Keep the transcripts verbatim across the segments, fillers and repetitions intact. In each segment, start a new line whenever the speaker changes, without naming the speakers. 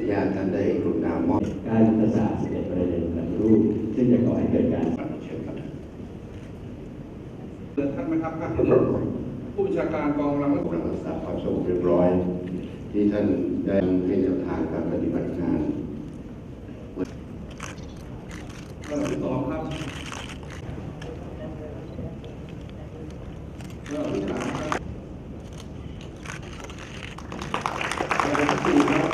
นุญาตท่านได้กรุณามอบ
การยุทธศาสตร์สิบเอ็ดประเด็นปฏิรูปซึ่งจะก่อให้เกิดการ
เชิญครับ
ท่านไหมครับผู้บัญชาการกองกำลัง
รักษาความสงบเรียบร้อยที่ท่านได้ให้แนวทางการปฏิบัติงาน
ข้อที่สองครับข้อที่สามครับข้อที่สี่ครับ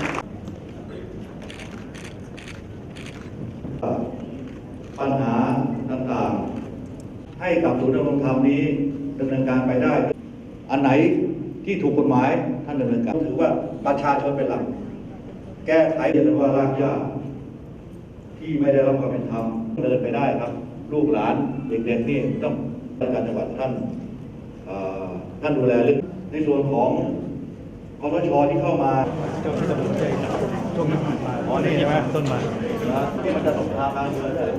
ปัญหาต่างๆให้กับศูนย์ดำรงธรรมนี้ดำเนินการไปได้อันไหนที่ถูกกฎหมายท่านดำเนินการถือว่าประชาชนเป็นหลักแก้ไขเรื่องว่ารากหญ้าที่ไม่ได้รับความเป็นธรรมเดินไปได้ครับลูกหลานเด็กๆนี่ต้องราชการจังหวัดท่านท่านดูแลเรื่องในส่วนของคสช.ที่เข้ามา
ช่วงนี้อ๋อนี่ใช่ไหมต้นมา
ที่มันจะสงครามกลางเมืองเลย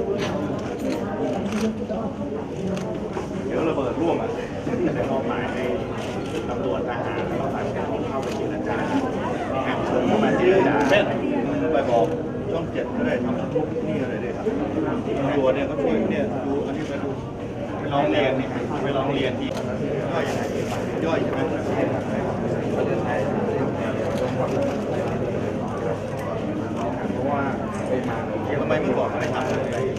เดี๋ยวระเบิดร่วมอ่ะจะมอบหมายให้ตำรวจทหารแล้วก็ฝ่ายปกครองเข้าไปเจรจาแข่งชนเข้ามาเจรจา
เช่นไปบอกช่องเจ็ดก็ได้ทำทุกนี่อะไรเลยครับตำรวจเนี่ยเขาช่วยเนี่ยดูอันนี้ไปดู
ไปร้องเรียนนี่ไปร้องเรียนที่
ย่อยย่อยใช่ไหม
เพราะว่า
ทำไมเมื่อก่อนไม่ได้ทำเลย